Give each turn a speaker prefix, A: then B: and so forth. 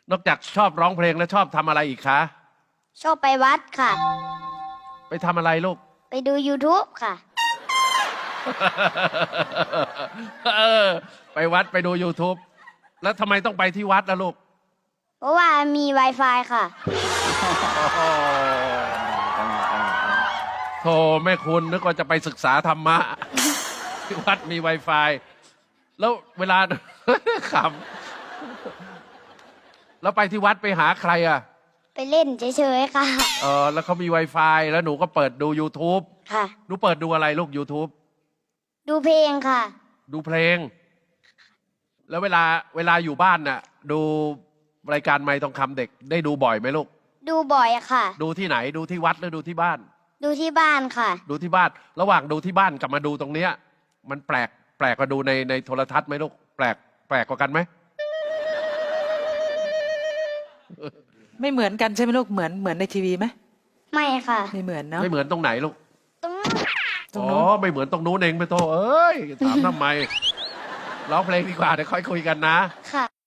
A: นอกจากชอบร้องเพลงแล้วชอบทำอะไรอีกคะ
B: ชอบไปวัดค่ะ
A: ไปทำอะไรลูก
B: ไปดู YouTube ค่ะ
A: เออ ไปวัดไปดู YouTube แล้วทำไมต้องไปที่วัดล่ะลูก
B: เพราะว่ามี Wi-Fi ค่ะ
A: โธ่แม่คุณนึกว่าจะไปศึกษาธรรมะ ที่วัดมี Wi-Fi แล้วเวลา ขำแล้วไปที่วัดไปหาใครอ่ะ
B: ไปเล่นเฉยๆค่ะ
A: แล้วเขามี Wi-Fi แล้วหนูก็เปิดดู YouTube
B: ค่ะ
A: หนูเปิดดูอะไรลูก YouTube
B: ดูเพลงค่ะ
A: ดูเพลง แล้วเวลาอยู่บ้านน่ะ ดูรายการไมค์ทองคำเด็กได้ดูบ่อยไหมลูก
B: ดูบ่อยค่ะ
A: ดูที่ไหนดูที่วัดหรือดูที่บ้าน
B: ดูที่บ้านค่ะ
A: ดูที่บ้าน ระหว่างดูที่บ้านกับมาดูตรงเนี้ย มันแปลกกว่าดูในโทรทัศน์ไหมลูกแปลกกว่ากันไหม
C: ไม่เหมือนกันใช่ไหมลูกเหมือนในทีวีไหม
B: ไม่ค่ะ
C: ไม่เหมือนเนาะ
A: ไม่เหมือนตรงไหนลูก
B: ตรง
C: ตรง
A: อ๋อ
C: นู้น
A: ไม่เหมือนตรงนู้นเองไปโตเอ้ยถามทำไมร้องเพลงดีกว่าเดี๋ยวค่อยคุยกันนะ
B: ค่ะ